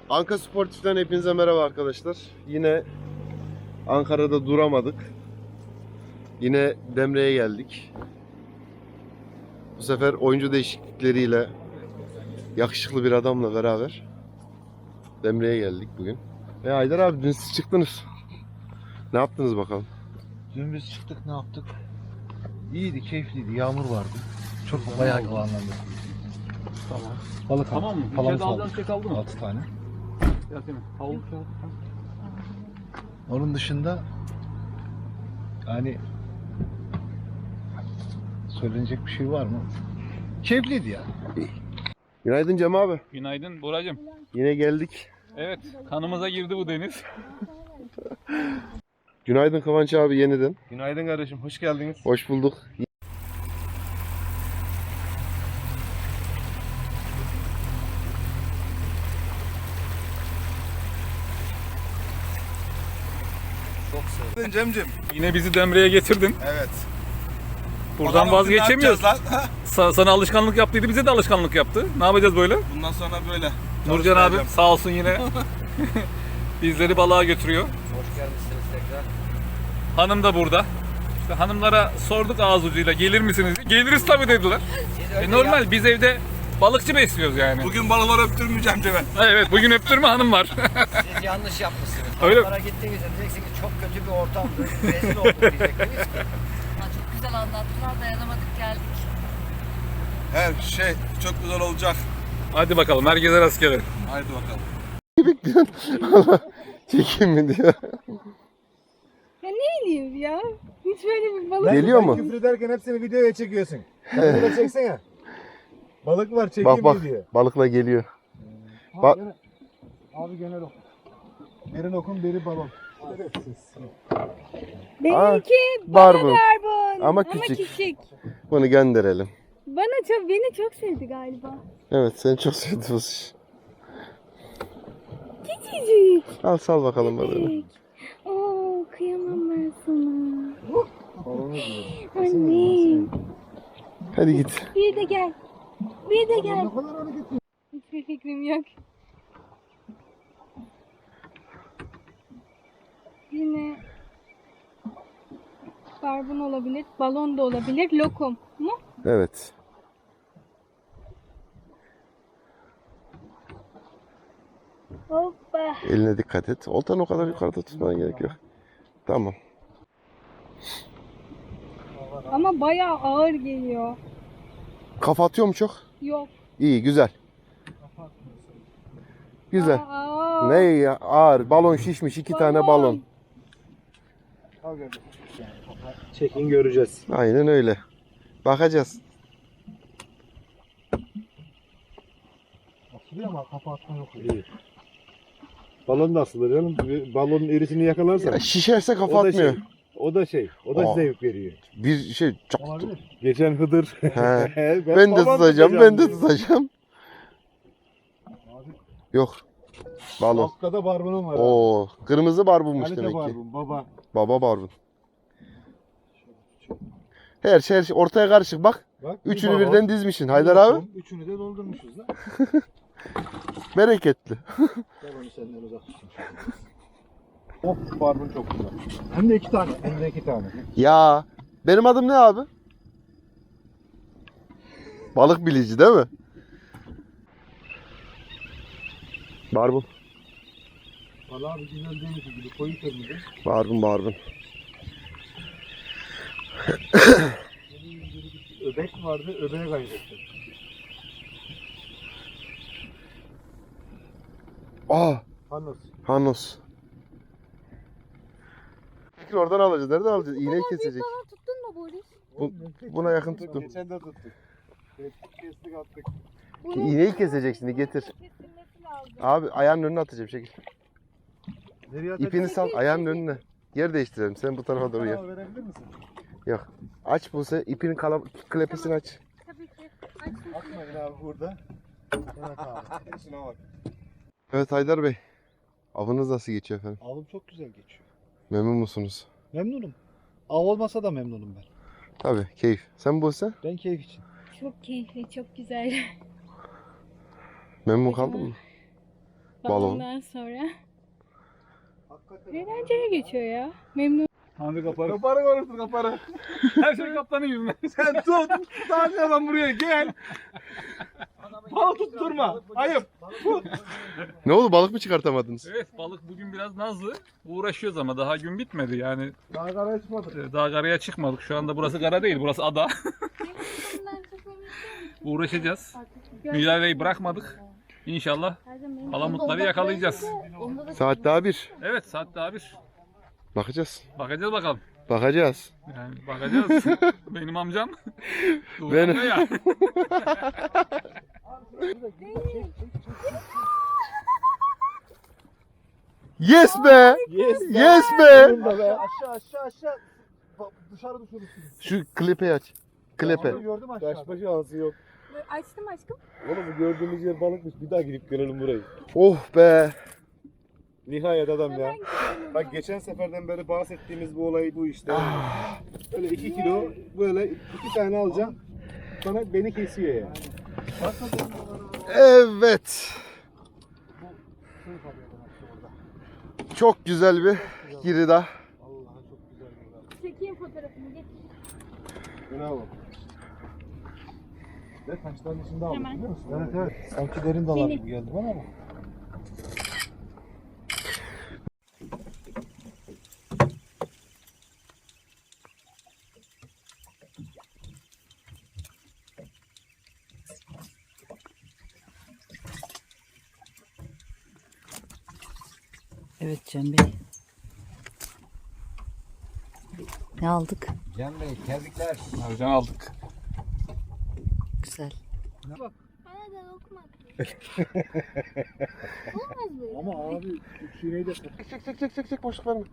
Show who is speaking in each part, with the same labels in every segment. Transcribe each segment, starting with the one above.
Speaker 1: Anka Sportif'ten hepinize merhaba arkadaşlar. Yine Ankara'da duramadık. Yine Demre'ye geldik. Bu sefer oyuncu değişiklikleriyle yakışıklı bir adamla beraber Demre'ye geldik bugün. Haydar abi dün siz çıktınız. Ne yaptınız bakalım?
Speaker 2: Dün biz çıktık, ne yaptık? İyiydi, keyifliydi, yağmur vardı. Çok bayağı o anlamda.
Speaker 3: Tamam.
Speaker 2: Balık
Speaker 3: Tamam mı?
Speaker 2: Palamut
Speaker 3: İçeride alacağın
Speaker 2: aldık.
Speaker 3: şey kaldı mı?
Speaker 2: 6 tane.
Speaker 3: Yasemin. Havlu kağıt.
Speaker 2: Onun dışında yani söylenecek bir şey var mı? Keyifliydi ya.
Speaker 1: Günaydın Cem abi.
Speaker 3: Günaydın Boracığım.
Speaker 1: Yine geldik.
Speaker 3: Evet, kanımıza girdi bu deniz.
Speaker 1: Günaydın Kıvanç abi yeniden.
Speaker 4: Günaydın kardeşim, hoş geldiniz.
Speaker 1: Hoş bulduk.
Speaker 4: Cemcim.
Speaker 3: Yine bizi Demre'ye getirdin.
Speaker 4: Evet.
Speaker 3: Buradan vazgeçemiyoruz. Sana alışkanlık yaptıydı, bize de alışkanlık yaptı. Ne yapacağız böyle?
Speaker 4: Bundan sonra böyle.
Speaker 3: Nurcan abi sağ olsun yine bizleri balığa götürüyor.
Speaker 5: Hoş gelmişsiniz tekrar.
Speaker 3: Hanım da burada. İşte hanımlara sorduk ağız ucuyla gelir misiniz? Geliriz tabii dediler. Normal biz evde balıkçı besliyoruz yani.
Speaker 4: Bugün balıkları öptürmeyeceğim Cem'e.
Speaker 3: Evet bugün öptürme hanım var.
Speaker 5: Siz yanlış yapmışsınız.
Speaker 3: Öyle-
Speaker 5: Onlara gittiğinizde diyeceksiniz ki çok kötü bir ortam, rezil olduk diyeceksiniz ki.
Speaker 6: Çok güzel anlattılar, dayanamadık geldik.
Speaker 4: Her şey çok güzel olacak.
Speaker 3: Hadi bakalım herkese rastgele.
Speaker 4: Haydi bakalım.
Speaker 1: Çekeyim mi diyor.
Speaker 7: Ya ne bileyim ya. Hiç böyle bir balık.
Speaker 1: Geliyor mu?
Speaker 2: Küfür ederken hepsini videoya çekiyorsun. Sen bunu çeksene. Balık var, çekeyim
Speaker 1: Bak bak
Speaker 2: mi diyor.
Speaker 1: balıkla geliyor.
Speaker 2: Abi genel ok. Biri lokum, biri balon.
Speaker 7: Benimki
Speaker 1: barbun.
Speaker 7: barbun.
Speaker 1: Ama küçük.
Speaker 7: küçük.
Speaker 1: Bunu gönderelim.
Speaker 7: Beni çok sevdi galiba.
Speaker 1: Evet seni çok sevdi bu iş.
Speaker 7: Küçücük.
Speaker 1: Al sal bakalım balığını.
Speaker 7: Küçük. Oo, kıyamam ben sana. Anne.
Speaker 1: Hadi git.
Speaker 7: Bir de gel. Bir de gel. Hiçbir fikrim yok. Yine barbun olabilir, balon da olabilir, lokum mu?
Speaker 1: Evet.
Speaker 7: Hoppa.
Speaker 1: Eline dikkat et. Oltanı o kadar yukarıda tutmana gerek yok. Tamam.
Speaker 7: Ama bayağı ağır geliyor.
Speaker 1: Kafa atıyor mu çok?
Speaker 7: Yok.
Speaker 1: İyi güzel. Güzel.
Speaker 7: Aa,
Speaker 1: Ne ya ağır. Balon şişmiş. 2 tane balon.
Speaker 2: Çekin, göreceğiz.
Speaker 1: Aynen öyle. Bakacağız.
Speaker 2: Asılıyor ama kafa atma yok. İyi. Balon da asılır canım. Balonun erisini yakalarsan.
Speaker 1: Ya şişerse kafa
Speaker 2: O da
Speaker 1: atmıyor.
Speaker 2: şey, o da şey. O da
Speaker 1: Aa.
Speaker 2: zevk veriyor.
Speaker 1: Bir şey çok.
Speaker 2: Geçen Hıdır.
Speaker 1: He. Ben de
Speaker 2: balon
Speaker 1: tutacağım. Ben de
Speaker 2: dedi.
Speaker 1: tutacağım. Yok. Balon.
Speaker 2: Afrika'da barbunum var. abi.
Speaker 1: Oo, kırmızı barbunmuş
Speaker 2: Kalite
Speaker 1: demek ki.
Speaker 2: barbun, baba.
Speaker 1: Baba barbun. Her şey ortaya karışık bak.
Speaker 2: Bak,
Speaker 1: Üçünü
Speaker 2: balon,
Speaker 1: birden dizmişsin. Haydar
Speaker 2: bir
Speaker 1: abi.
Speaker 2: lokum, üçünü de doldurmuşuz da.
Speaker 1: Bereketli.
Speaker 2: Balonu senden uzak tutsun. Of, barbun çok güzel. Hem de 2 tane. Hem de 2 tane.
Speaker 1: Ya benim adım ne abi? Balık bilici değil mi? Barbun.
Speaker 2: Valla abi güzel demiş gibi koyu kırmızı.
Speaker 1: Barbun.
Speaker 2: Öbek vardı, öbeğe kaybettim.
Speaker 1: Aa,
Speaker 2: Panos.
Speaker 1: Hanos. Fikri oradan alacağız. Nereden alacağız? İğneyi kesecek.
Speaker 7: Balon tuttun mu Boris?
Speaker 1: Buna yakın tuttum.
Speaker 2: Geçen de tuttuk. Kestik attık.
Speaker 1: İğneyi kesecek şimdi getir.
Speaker 7: Kesilmesi lazım.
Speaker 1: Abi ayağının önüne atacağım şekil.
Speaker 2: Nereye atacağız?
Speaker 1: İpini sal ayağının önüne. Yer değiştirelim. Sen bu tarafa doğru gel.
Speaker 2: Verebilir misin?
Speaker 1: Yok. Aç bu sefer ipinin klepesini aç.
Speaker 7: Tabii ki. Açsın.
Speaker 2: Atmayın abi burada. Evet abi. Şuna bak.
Speaker 1: Evet Haydar Bey. Avınız nasıl geçiyor efendim?
Speaker 2: Avım çok güzel geçiyor.
Speaker 1: Memnun musunuz?
Speaker 2: Memnunum. Av olmasa da memnunum ben.
Speaker 1: Tabii keyif. Sen Buse?
Speaker 2: Ben keyif için.
Speaker 7: Çok keyifli, çok güzel.
Speaker 1: Memnun kaldın mı?
Speaker 7: balondan sonra. Eğlenceli geçiyor ya. Memnun.
Speaker 3: Hadi kaparı. Kaparı konuştur kaparı. Her şey kaptanın yüzünden. Sen tut. Sadece adam buraya gel. Balık tutturma. Ayıp.
Speaker 1: Ne oldu, balık mı çıkartamadınız?
Speaker 3: Evet, balık bugün biraz nazlı. Uğraşıyoruz ama daha gün bitmedi yani.
Speaker 2: Daha karaya çıkmadık.
Speaker 3: Daha karaya çıkmadık. Şu anda burası kara değil, burası ada. Uğraşacağız. Mücadeleyi bırakmadık. İnşallah palamutları yakalayacağız.
Speaker 1: Saat daha 1.
Speaker 3: Evet, saat daha 1.
Speaker 1: Bakacağız.
Speaker 3: Bakacağız bakalım.
Speaker 1: Bakacağız.
Speaker 3: Yani bakacağız. Benim amcam.
Speaker 1: Benim.
Speaker 3: Ya.
Speaker 1: Yes be!
Speaker 2: Yes.
Speaker 1: Yes be!
Speaker 2: Aşağı. Dışarı düşürürsün.
Speaker 1: Şu klipe aç. Klipe.
Speaker 2: Gördüm aşağıda.
Speaker 8: Kaçma şansı yok.
Speaker 7: Açtım aşkım.
Speaker 8: Oğlum bu gördüğümüz yer balıkmış. Bir daha gidip görelim burayı.
Speaker 1: Oh be!
Speaker 8: Nihayet adam ya. Bak geçen seferden beri bahsettiğimiz bu olay bu işte. Böyle 2 kilo böyle 2 tane alacağım. Sonra beni kesiyor yani.
Speaker 1: Evet. Çok güzel bir girida.
Speaker 7: Çekeyim fotoğrafını. Geç.
Speaker 8: Bravo.
Speaker 2: Ve taşların içinde aldık
Speaker 7: Hemen.
Speaker 2: biliyor musun? Evet. Sanki derin dalar gibi geldi bana ama.
Speaker 6: Evet Cem Bey. Ne aldık?
Speaker 5: Cem Bey tebrikler.
Speaker 3: Amcan aldık.
Speaker 6: Güzel.
Speaker 7: Bana da lokma. Olmaz böyle.
Speaker 2: Ama abi şineyi de
Speaker 1: Çek boşluk verme.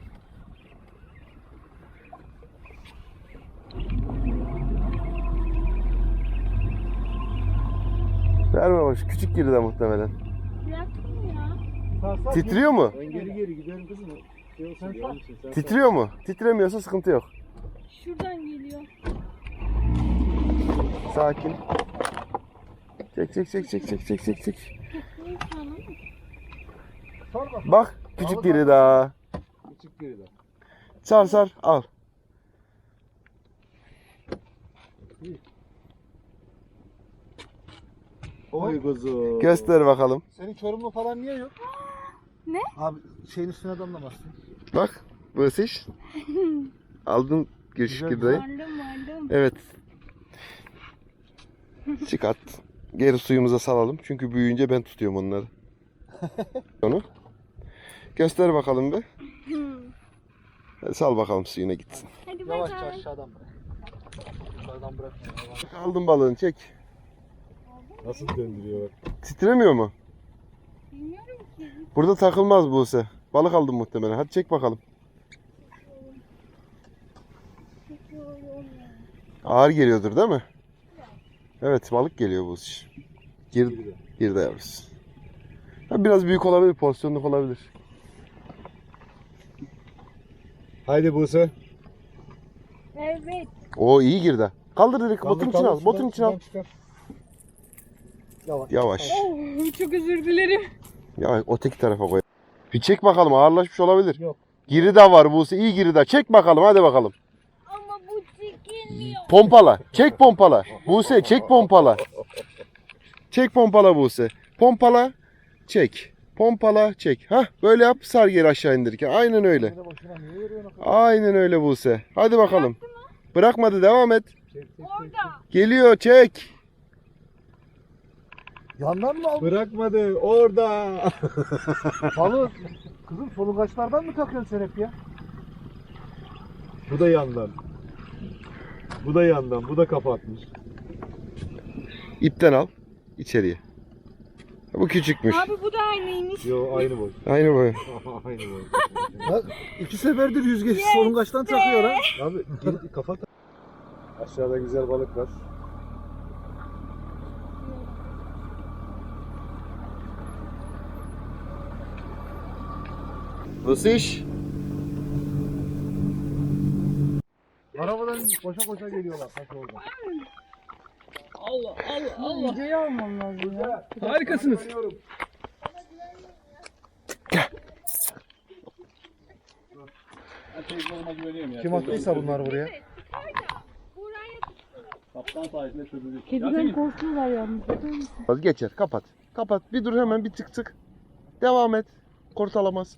Speaker 1: Verme boş. Küçük girida muhtemelen.
Speaker 7: Bıraktın mı ya?
Speaker 1: Titriyor mu?
Speaker 8: Ben geri gidelim kızım. Şey olsun, gelmişsin, sen
Speaker 1: Titriyor mu? Titremiyorsa sıkıntı yok.
Speaker 7: Şuradan geliyor.
Speaker 1: Sakin. Çek.
Speaker 7: Ne tamam.
Speaker 1: Bak küçük girida.
Speaker 8: küçük geride.
Speaker 1: Sar al.
Speaker 8: Oy kuzum.
Speaker 1: Göster bakalım.
Speaker 2: Senin Çorumlu falan niye yok?
Speaker 7: Ne?
Speaker 2: Abi şeyin üstüne damlamazsın.
Speaker 1: Bak burası iş. Aldın küçük giridayı.
Speaker 7: Vardım.
Speaker 1: Evet. Çıkart. Geri suyumuza salalım. Çünkü büyüyünce ben tutuyorum onları. Onu. Göster bakalım bir. Hadi sal bakalım suyuna gitsin.
Speaker 7: Hadi bay
Speaker 2: Yavaşça
Speaker 7: bay.
Speaker 2: aşağıdan bırak. Yukarıdan bırakma.
Speaker 1: Aldım balığını çek.
Speaker 8: Nasıl döndürüyor?
Speaker 1: Titremiyor mu?
Speaker 7: Bilmiyorum ki.
Speaker 1: Burada takılmaz Buse. Balık aldım muhtemelen. Hadi çek bakalım. Ağır geliyordur değil mi? Evet balık geliyor Buse. Girdi yavrusu. Ha, biraz büyük olabilir, porsiyonluk olabilir.
Speaker 8: Haydi Buse.
Speaker 7: Evet.
Speaker 1: O iyi girdi. Kaldır direkt botun içine al. Botun içine al. Yavaş.
Speaker 7: Oh, çok özür dilerim.
Speaker 1: Ya öteki tarafa koy. Bir çek bakalım, ağırlaşmış olabilir.
Speaker 2: Yok.
Speaker 1: Girida var Buse, iyi girida. Çek bakalım, hadi bakalım.
Speaker 7: Ama bu çekilmiyor.
Speaker 1: Pompala. Çek pompala. Buse çek pompala. Çek pompala Buse. Pompala. Çek. Pompala çek. Hah böyle yap, sar geri aşağı indirirken. Aynen öyle. Aynen öyle Buse. Hadi bakalım. Bırakmadı, devam et.
Speaker 7: Orada.
Speaker 1: Geliyor, çek.
Speaker 2: Yandan mı aldın?
Speaker 8: Bırakmadı orada.
Speaker 2: Balık. Kızım solungaçlardan mı takıyorsun sen hep ya?
Speaker 8: Bu da yandan. Bu da yandan. Bu da kapatmış.
Speaker 1: İpten al içeriye. Bu küçükmüş.
Speaker 7: Abi bu da aynıymış.
Speaker 8: Yo aynı boy.
Speaker 1: Aynı boy.
Speaker 8: Aynı boy.
Speaker 2: Bak 2 seferdir yüzgeç solungaçtan takıyor ha.
Speaker 8: Abi geri kapat. Aşağıda güzel balık var.
Speaker 1: Nasıl iş?
Speaker 2: Arabadan koşa koşa geliyorlar taş orada.
Speaker 3: Allah.
Speaker 7: Videoyu almam lazım ya.
Speaker 3: Harikasınız.
Speaker 8: Kim attıysa bunlar buraya.
Speaker 7: Kediden korkuyorlar yalnız.
Speaker 1: Geçer. Kapat. Kapat. Bir dur hemen bir tık tık. Devam et. Kurtalamaz.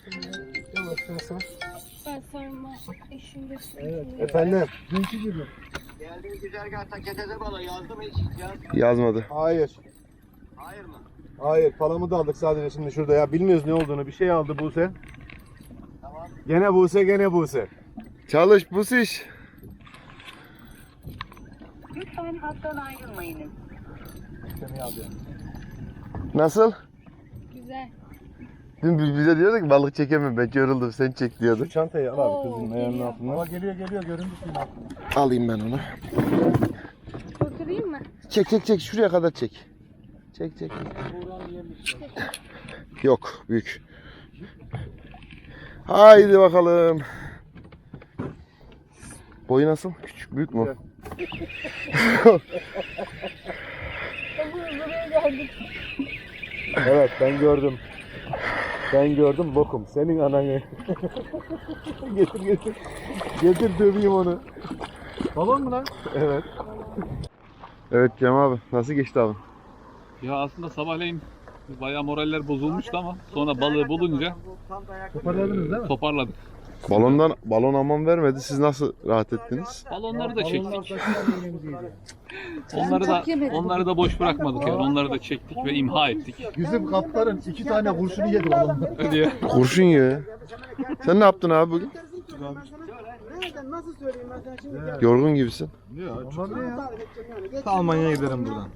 Speaker 7: Ben sarma. Eşim de
Speaker 8: Efendim.
Speaker 5: Geldiğin güzergahta keteze balığı yazdım hiç.
Speaker 1: Yazmadı.
Speaker 8: Hayır.
Speaker 5: Hayır mı?
Speaker 8: Hayır, palamı da aldık sadece şimdi şurada ya. Bilmiyoruz ne olduğunu. Bir şey aldı Buse.
Speaker 5: Tamam.
Speaker 8: Gene Buse, gene Buse.
Speaker 1: Çalış bu iş.
Speaker 9: Lütfen hattan ayrılmayınız.
Speaker 1: Nasıl?
Speaker 7: güzel.
Speaker 1: Dün bize diyordu ki balık çekemem ben yoruldum sen çek diyordu.
Speaker 8: Şu çantayı al abi kızın
Speaker 7: Oo,
Speaker 8: ayağının
Speaker 7: geliyor.
Speaker 8: altından. Ama geliyor göründü suyun altında.
Speaker 1: Alayım ben onu.
Speaker 7: Oturayım mı?
Speaker 1: Çek şuraya kadar çek. Çek. Yok büyük. Haydi bakalım. Boyu nasıl? Küçük büyük mü?
Speaker 7: Buraya geldik.
Speaker 8: Evet ben gördüm. Ben gördüm bokum. Senin ananı. getir. Getir döveyim onu. Balon mu lan? Evet.
Speaker 1: Evet Cem abi nasıl geçti abi?
Speaker 3: Ya aslında sabahleyin bayağı moraller bozulmuştu ama sonra balığı bulunca
Speaker 8: Toparladınız değil mi?
Speaker 3: toparladık.
Speaker 1: Balon aman vermedi. Siz nasıl rahat ettiniz?
Speaker 3: Balonları da çektik.
Speaker 6: Çok yemedim.
Speaker 3: Onları da boş bırakmadık yani. Onları da çektik ve imha ettik.
Speaker 8: Bizim kaptanın 2 tane kurşunu yedi balonda.
Speaker 3: Diye.
Speaker 1: Kurşun ya. Sen ne yaptın abi bugün? Yorgun gibisin.
Speaker 8: Almanya'ya giderim buradan.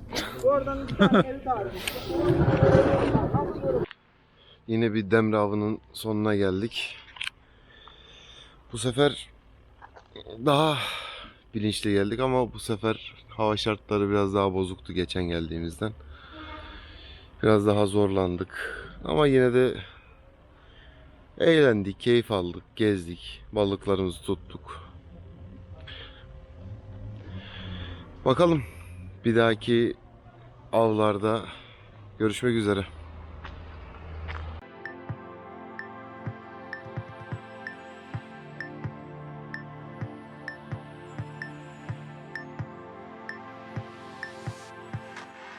Speaker 1: Yine bir demre avının sonuna geldik. Bu sefer daha bilinçli geldik ama bu sefer hava şartları biraz daha bozuktu geçen geldiğimizden. Biraz daha zorlandık. Ama yine de eğlendik, keyif aldık, gezdik, balıklarımızı tuttuk. Bakalım bir dahaki avlarda görüşmek üzere.